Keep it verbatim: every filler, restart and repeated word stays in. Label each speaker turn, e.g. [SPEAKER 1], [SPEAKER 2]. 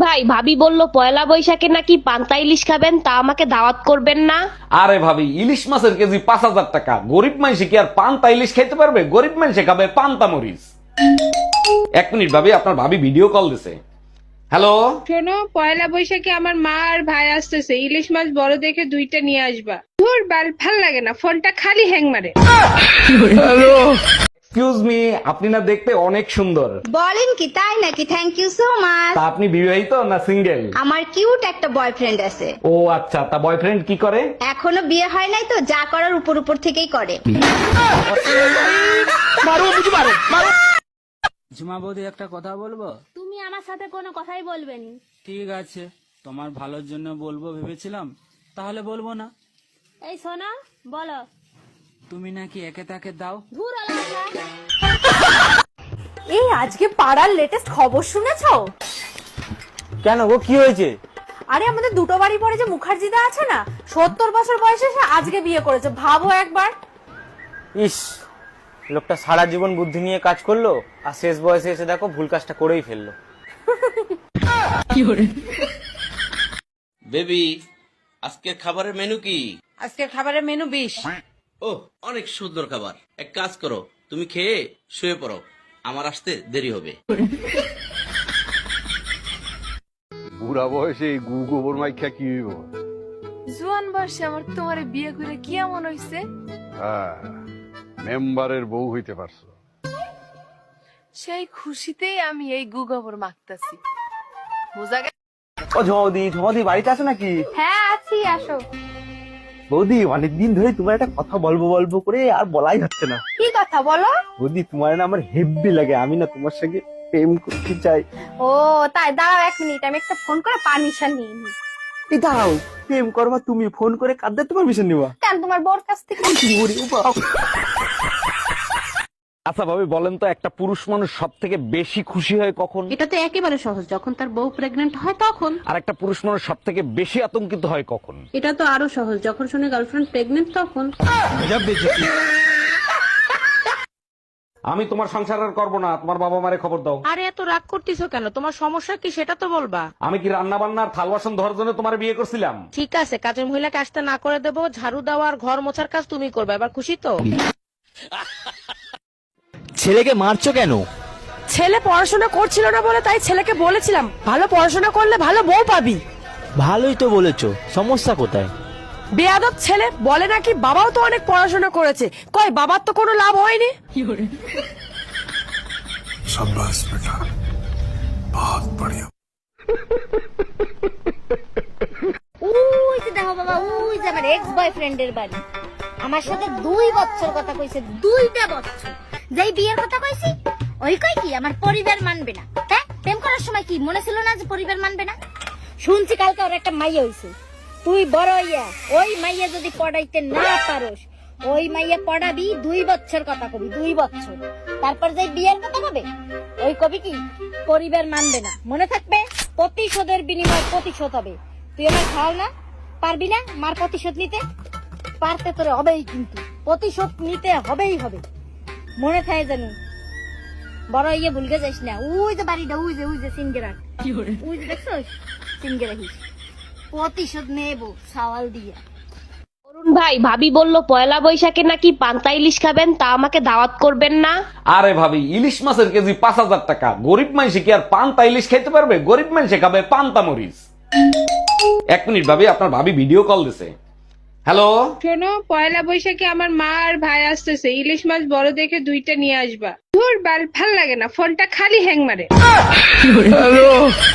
[SPEAKER 1] ভাই, ভাবি বলল পয়লা বৈশাখে নাকি পান্তা ইলিশ খাবেন, তা আমাকে দাওয়াত করবেন না?
[SPEAKER 2] আরে ভাবি, ইলিশ মাছের কেজি পাঁচ হাজার টাকা। গরিব মানুষ কি আর পান্তা ইলিশ খাইতে পারবে? গরিব মানুষে খাবে পান্তা মরিচ। এক মিনিট ভাবি, আপনার ভাবি ভিডিও কল দিছে। হ্যালো।
[SPEAKER 3] শোনো, পয়লা বৈশাখে আমার মা আর ভাই আসতেছে, ইলিশ মাছ বড় দেখে দুইটা নিয়ে আসবা। ধুর বাল, ভাল লাগে না, ফোনটা খালি হ্যাং মারে।
[SPEAKER 2] এক্সকিউজ মি, আপনি না দেখতে অনেক সুন্দর।
[SPEAKER 4] বলেন কি, তাই নাকি? Thank you so much.
[SPEAKER 2] তা আপনি বিবাহিত না সিঙ্গেল?
[SPEAKER 4] আমার কিউট একটা বয়ফ্রেন্ড আছে।
[SPEAKER 2] ও আচ্ছা, তা বয়ফ্রেন্ড কি করে?
[SPEAKER 4] এখনো বিয়ে হয় নাই তো, যা করার উপর উপর থেকেই করে।
[SPEAKER 5] ঝুমা বৌদি, একটা কথা বলবো?
[SPEAKER 6] তুমি আমার সাথে কোনো কথাই বলবে নি।
[SPEAKER 5] ঠিক আছে, তোমার ভালোর জন্য বলবো ভেবেছিলাম, তাহলে বলবো না।
[SPEAKER 6] এই শোনো, বলো।
[SPEAKER 5] তুমি নাকি একে তাকে দাও?
[SPEAKER 6] ধুর আলাদা।
[SPEAKER 7] এই আজকে পাড়ার লেটেস্ট খবর শুনেছো?
[SPEAKER 8] কেন গো, কি হয়েছে?
[SPEAKER 7] আরে আমাদের দুটো বাড়ি পরে যে মুখার্জিদা আছে না, সত্তর বছর বয়সে সে আজকে বিয়ে করেছে। ভাবো একবার।
[SPEAKER 8] ইস, লোকটা সারা জীবন বুদ্ধি নিয়ে কাজ করলো, আর শেষ বয়সে এসে দেখো ভুল কাজটা করেই ফেললো।
[SPEAKER 9] বেবি, আজকের খাবারের মেনু কি?
[SPEAKER 7] আজকের খাবারের মেনু বিশ।
[SPEAKER 9] ও, অনেক সুন্দর খাবার। এক কাজ করো, তুমি খেয়ে শুয়ে পড়ো, আমার আসতে দেরি হবে।
[SPEAKER 10] বুড়া বয়সে এই গু গোবর মাইখা কি হইব?
[SPEAKER 7] জোয়ান বয়সে আমার তোমারে বিয়ে করে কি এমন হইছে?
[SPEAKER 10] হ্যাঁ, মেম্বারের বউ হইতে পারছো।
[SPEAKER 7] সেই খুশিতেই আমি এই গু গোবর মাখতাছি। বোঝা গেল?
[SPEAKER 8] ও ঝমদি, ঝমদি বাড়িতে আছে নাকি?
[SPEAKER 7] হ্যাঁ আছি, আসো।
[SPEAKER 8] বৌদি, অনেকদিন ধরে তোমার একটা কথা বলবো বলবো করে আর বলাই হচ্ছে না।
[SPEAKER 7] কি কথা বলো?
[SPEAKER 8] বৌদি, তোমার না আমার হেব্বি লাগে, আমি না তোমার সঙ্গে প্রেম করতে চাই।
[SPEAKER 7] ও তাই, দাঁড়াও এক মিনিট, আমি একটা ফোন করে পারমিশন নিয়ে নিই।
[SPEAKER 8] এই দাঁড়াও, প্রেম করবা তুমি, ফোন করে কাঁদতে তোমার মিশন নিবা?
[SPEAKER 7] কেন, তোমার বোর কাছ থেকে?
[SPEAKER 2] আচ্ছা ভাবি, বলেন তো, একটা পুরুষ মানুষ সব থেকে বেশি খুশি হয় কখন?
[SPEAKER 1] এটা তো একেবারে সহজ, যখন তার বউ প্রেগনেন্ট হয় তখন।
[SPEAKER 2] আর একটা পুরুষ মানুষ সব থেকে বেশি আতঙ্কিত হয় কখন?
[SPEAKER 1] এটা তো আরো সহজ, যখন শুনে গার্লফ্রেন্ড প্রেগনেন্ট তখন।
[SPEAKER 2] আমি তোমার সংসার আর করবো না, তোমার বাবা মারে খবর দাও।
[SPEAKER 1] আরে এত রাগ করতেছো কেন? তোমার সমস্যা কি সেটা তো বলবা।
[SPEAKER 2] আমি কি রান্না বান্নার থাল বাসন ধরার জন্য তোমার বিয়ে করছিলাম?
[SPEAKER 1] ঠিক আছে, কাজের মহিলাকে আসতে না করে দেবো, ঝাড়ু দেওয়া আর ঘর মোছার কাজ তুমি করবে। এবার খুশি তো?
[SPEAKER 8] ছেলেকে মারছো কেন?
[SPEAKER 7] ছেলে পড়াশোনা করছিল না বলে তাই ছেলেকে বলেছিলাম ভালো পড়াশোনা করলে ভালো বউ পাবি।
[SPEAKER 8] ভালোই তো বলেছো, সমস্যা কোথায়?
[SPEAKER 7] বেয়াদব ছেলে বলে নাকি বাবাও তো অনেক পড়াশোনা করেছে, কয় বাবার তো কোনো লাভ হয়নি।
[SPEAKER 4] উই যে দেখো বাবা, উই যে আমার এক্স বয়ফ্রেন্ডের বাড়ি। আমার সাথে দুই বছর কথা কইছে, দুইটা বছর। যেই বিয়ের কথা কইছি, ওই কই কি আমার পরিবার মানবে না। হ্যাঁ, প্রেম করার সময় কি মনে ছিল না যে পরিবার মানবে না? শুনছি কালকে ওর একটা মাইয়া হইছে। তুই বড় হইয়া ওই মাইয়া যদি পড়াইতে না পারোস, ওই মাইয়া পড়াবি, দুই বছর কথা কবি, দুই বছর। তারপর যে বিয়ের কথা কবে, ওই কবি কি পরিবার মানবে না। মনে থাকবে, প্রতিশোধের বিনিময় প্রতিশোধ হবে। তুই আমার খাও না, পারবি না মার প্রতিশোধ নিতে? পারতে তোরে হবেই, কিন্তু প্রতিশোধ নিতে হবেই হবে। মনে থাকে জানো, বড় ইয়ে ভুলকে যাইস না। উই যে বাড়িটা, উই যে উই যে সিনগেরা, উই যে দেখছো সিনগেরা, হিস প্রতিশোধ নেবো সাওয়াল দিয়া।
[SPEAKER 1] অরুণ ভাই, ভাবি বলল পয়লা বৈশাখে নাকি পান্তা ইলিশ খাবেন, তা আমাকে দাওয়াত করবেন না?
[SPEAKER 2] আরে ভাবি, ইলিশ মাছের কেজি পাঁচ হাজার টাকা। গরিব মানুষে কি আর পান্তা ইলিশ খাইতে পারবে? গরিব মানুষে খাবে পান্তা মরিচ। এক মিনিট ভাবি, আপনার ভাবি ভিডিও কল দিছে। হ্যালো।
[SPEAKER 3] শোনো, পয়লা বৈশাখে আমার মা আর ভাই আসতেছে, ইলিশ মাছ বড় দেখে দুইটা নিয়ে আসবা। ধুর বাল, ভাল লাগে না, ফোনটা খালি হ্যাং মারে।